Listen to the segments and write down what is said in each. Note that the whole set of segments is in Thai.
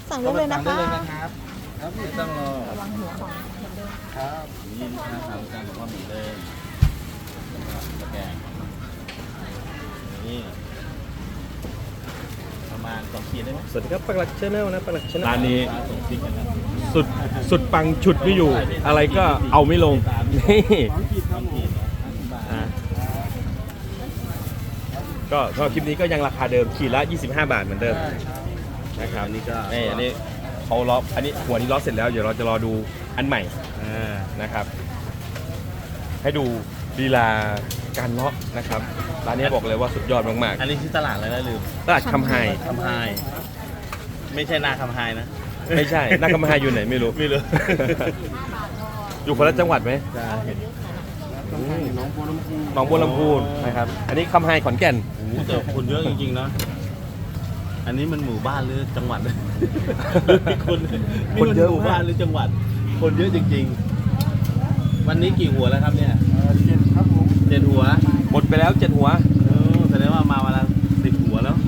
สั่งได้เลยนะคะครับไม่ต้องรอระวังหัวของเหมือนเดิมครับนี่ลูกค้าถามกันบอกว่าหมี่เดิมตะแกรงนี่ประมาณ2 ขีดได้ไหมสวัสดีครับปักหลักชาแนลนะปักหลักชาแนลร้าร้าน นนี้นี้ส่งพริกกันนะสุดปังฉุดไม่อยู่ อะไรก็เอาไม่ลงนี่ 2 ขีดครับผม50 บาทอ่ะก็สำหรับคลิปนี้ก็ยังราคาเดิมขีดละ25 บาทเหมือนเดิมนะครับอันนี้ก็นี่อันนี้เขาล้ออันนี้หัวนี้ล้อเสร็จแล้วเดี๋ยวเราจะรอดูอันใหม่นะครับ ให้ดูลีลาการเลาะนะครับร้านนี้บอกเลยว่าสุดยอดมากอันนี้ที่ตลาดอะไรนะลืมๆตลาดคำไฮคำไฮไม่ใช่นาคำไฮนะไม่ใช่นักคำไฮอยู่ไหนไม่รู้ไม่รู้อยู่คนละจังหวัดไหมใช่หนองบัวลำพูนะครับ อันนี้คำไฮขอนแก่นโอ้โหแต่คนเยอะจริงๆนะอันนี้มันหมู่บ้านหรือจังหวัด คนคนเยอะหมู่บ้านหรือจังหวัด คนเยอะจริงๆ วันนี้กี่หัวแล้วครับเนี่ย7 ครับผม7 หัวหมดไปแล้ว7 หัวแสดงว่ามาวันละ10 หัวแล้ว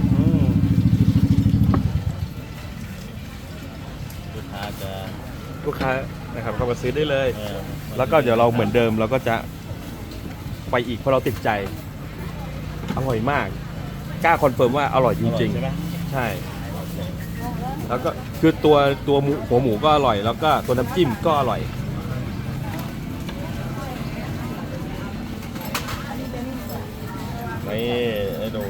ลูกค้าจะลูกค้านะครับเข้ามาซื้อได้เลยเออแล้วก็เดี๋ยวเราเหมือนเดิมเราก็จะไปอีกเพราะเราติดใจ อร่อยมาก กล้าคอนเฟิร์มว่าอร่อยจริงใช่ไหมๆ ใช่ แล้วก็คือตัวหมูหัวหมูก็อร่อย แล้วก็ตัวน้ำจิ้มก็อร่อยนี่ให้ดู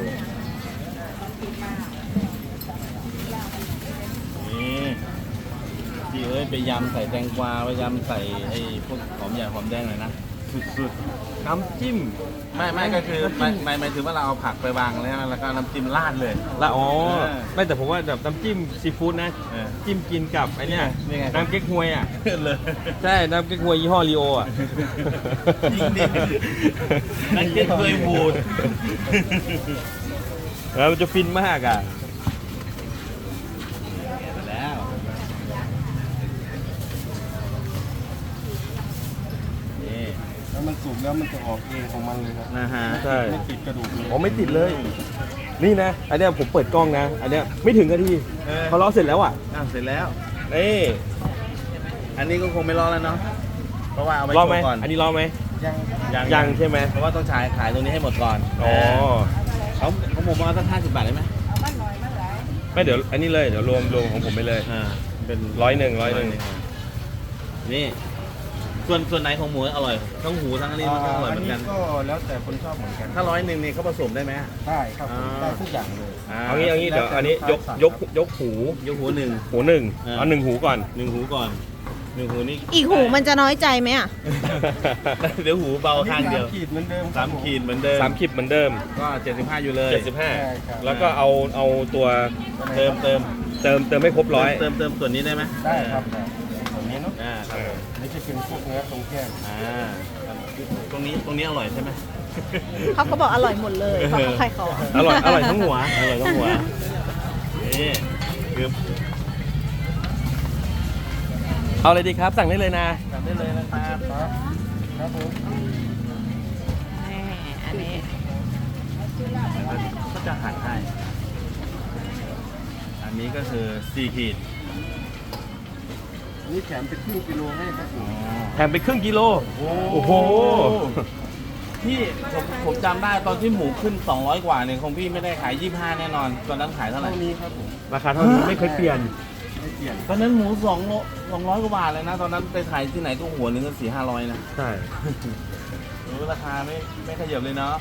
นี่พี่เอ้ยไปยำใส่แตงกวาไปยำใส่ไอ้พวกหอมใหญ่หอมแดงหน่อยนะสุดๆ น้ำจิ้มไม่ก็คือหมายถึงว่าเราเอาผักไปวางแล้วก็น้ำจิ้มราดเลยละอ๋อเออไม่แต่ผมว่าแบบน้ำจิ้มซีฟู้ดนะเออจิ้มกินกับไอ้เนี่ยนี่ไงน้ำเก๊กฮวยอ่ะเลยใช่ น้ำเก๊กฮวยยี่ห้อลีโออ่ะจริงดินั่นเก็ตเคยบูดแล้วมันจะฟินมากอ่ะมาแล้ว นี่แล้วมันสุกแล้วมันจะออกเองของมันเลยครับนะฮะใช่ไม่ติดกระดูกเลยอ๋อไม่ติดเลย นี่นะ อันเนี้ยผมเปิดกล้องนะ อันเนี้ยไม่ถึงนาทีเขาล้อเสร็จแล้วอ่ะเสร็จแล้วนี่อันนี้ก็คงไม่รอแล้วเนาะ เพราะว่าเอาไปรอโชไหมว์ก่อนอันนี้รอไหมยังยังใช่ไหมเพราะว่าต้องขายตรงนี้ให้หมดก่อนอ๋อเขาผมเอาสัก50 บาทได้ไหมไม่เดี๋ยวอันนี้เลย เดี๋ยวรวมของผมไปเลยเป็น 100 นี่ ส่วนไหนของหมูอร่อย ทั้งหูทั้งอันนี้มันก็อร่อยเหมือนกันก็แล้วแต่คนชอบเหมือนกันถ้า100นี่เขาผสมได้ไหมได้ครับอ่าได้ทุกอย่างเลยเอางี้เดี๋ยวอันนี้ยกหูยกหูหนึ่งหูหนึ่งอ่าเอา1 หูก่อน 1 หูก่อน 1 หูนี่อีกหูมันจะน้อยใจไหมอ่ะเดี๋ยวหูเบาข้างเดียวขีดเหมือนเดิม 3 ขีดเหมือนเดิม 3 คลิปเหมือนเดิมก็75อยู่เลย 75 แล้วก็เอาตัวเติมเติมไม่ครบร้อยเติมส่วนนี้ได้ไหมได้ครับได้ตรงนี้เนาะครับผมนี่จะเป็นพวกเนื้อตรงแก้มตรงนี้อร่อยใช่ไหมเขาก็บอกอร่อยหมดเลยเพราะเขาขายของอร่อยทั้งหัวอร่อยทั้งหัวนี่คือเอาเลยดีครับ สั่งได้เลยนะทำได้เลยนะครับครับผมอันนี้ก็จะหั่นให้อันนี้ก็คือ4 ขีดอันนี่แถมเป็นครึ่งกิโลให้ครับผมแถมไปครึ่งกิโล โอ้โหพี่ผมจำได้ตอนที่หมูขึ้น200 กว่าเนี่ยของพี่ไม่ได้ขาย25แน่นอนตอนนั้นขายเท่าไหร่เท่านี้ครับผมราคาเท่านี้ไม่เคยเปลี่ยนไม่เปลี่ยนตอนนั้นหมู200 กว่าบาทเลยนะ ตอนนั้นไปขายที่ไหนก็หัวหนึงก็400-500นะใช่ราคาไม่ขยับเลยเนาะ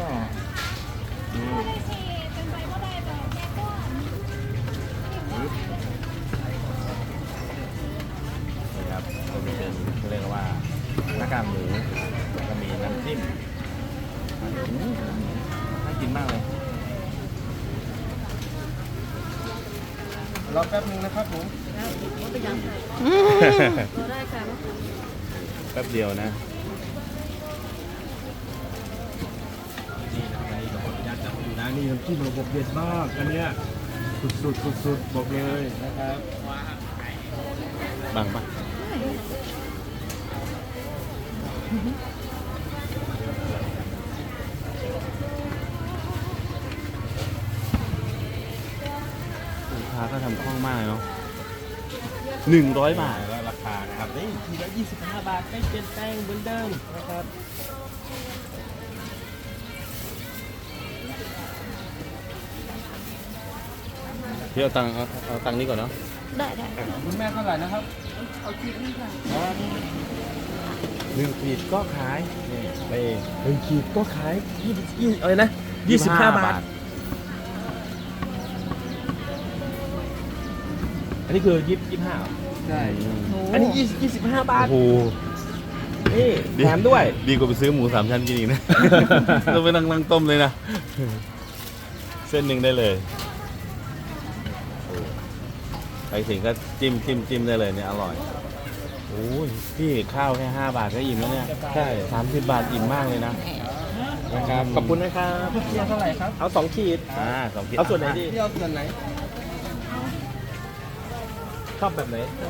นี่ครับก็จะเป็นเขาเรียกว่าหน้ากากหมูแล้วก็มีน้ำจิ้มน่ากินมากเลยรอแป๊บนึงนะครับผมแป๊บเดียวนะนี่นะครับอันนี้ก็ขออนุญาตจับอยู่นะนี่น้ำจิ้มระบบเด็ดมาก อันเนี้ยสุดบอกเลยนะครับบังปะลูกค้าก็ทำคล่องมากเลยเนาะ 100 บาทแล้วราคานะครับนี่ทีละ25 บาทไม่เปลี่ยนแปลงเหมือนเดิมนะครับพี่เอาตังค์นี้ก่อนเนาะได้คุณแม่เท่าไหร่นะครับ 1 ขีดก็ขายนี่ไป1 ขีดก็ขาย20อะไรนะ25 บาท อันนี้คือ25เหรอใช่อันนี้25 บาทโอ้โหนี่แถมด้วยดีกว่าไปซื้อหมู3 ชั้นกินอีกนะ ต้องไปนั่งต้มเลยนะ เส้นหนึ่งได้เลยโอ้ไปถึงก็จิ้มได้เลยเนี่ยอร่อยโอ้ยพี่ข้าวแค่5 บาทก็อิ่มแล้วเนี่ยใช่ 30 บาทอิ่มมากเลยนะนะครับขอบคุณนะครับเที่ยวเท่าไหร่ครับเอา2 ขีด 2 ขีดเอาส่วนไหนดีเที่ยวส่วนไหนชอบแบบไหน